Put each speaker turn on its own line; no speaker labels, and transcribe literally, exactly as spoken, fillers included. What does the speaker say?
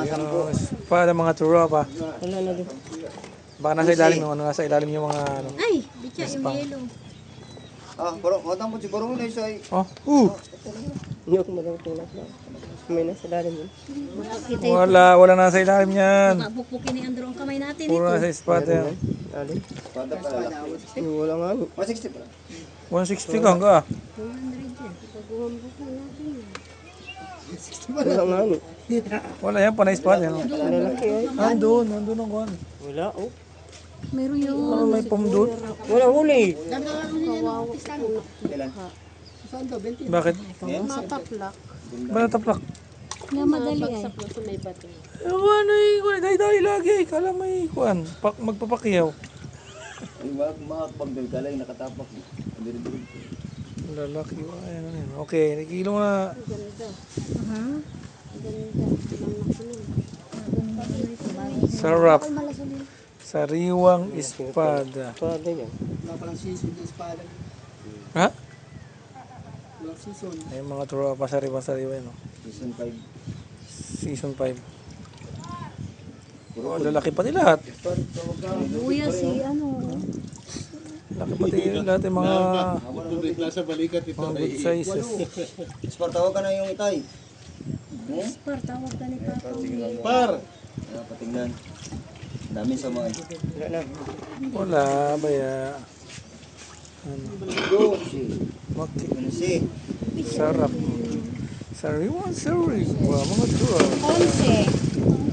Yung espada mga tropa.
Wala na din.
Baka nasa ilalim yung ano, nasa ilalim yung mga ano.
Ay, bitya yung yelo.
Ah, pero matang po siguro na isa ay.
Oh, uh,
Hindi ako malang tulad na. May nasa lalim yun.
Makakita yung
wala, wala nasa ilalim yan.
bukbukin ni Andrew ang kamay natin
Puro
ito.
nasa espada yan.
Lalim.
Pada pala laki.
Wala nga. ano.
one sixty pala.
one sixty ka hangga.
two hundred yan.
Wala nga. ano.
Wala yan, panay espada yan.
Lalaki ay.
Nandun, nandun ang kuhan.
Wala oh.
Meron yung
Parang may pom doon.
Wala huli.
Kailan?
Bakit?
mataplak.
Ba nataplak?
Na madali ay.
Ewan ay, kuhan, dahil lagi. Kala may kuhan, pak, magpapakyaw.
Ay, wag makakapagdal ka lang nakatapak. Diri-diri.
Lalaki, ayan, ayan. Okay, nakikilo na. Sarap. Sariwang espada.
Wala yan.
Ha? Ay, mga tropa sariwa-sariwa yun. Oh.
Season five.
Season five. Oh, lalaki pati lahat.
Kuya si ano.
Laki pati lahat yung mga,
Tubig nasa balikat ito.
mga good sizes.
Sport, tawag ka na yung itay. Hmm?
Par, tawag ka ni Papa.
Par!
Ah, patingnan. Dami sa mga.
Wala na.
Wala, baya. Ano,
Go, si.
maki.
Ano si?
Sarap. Sariwang sariwa. Mga tropa.
Onse.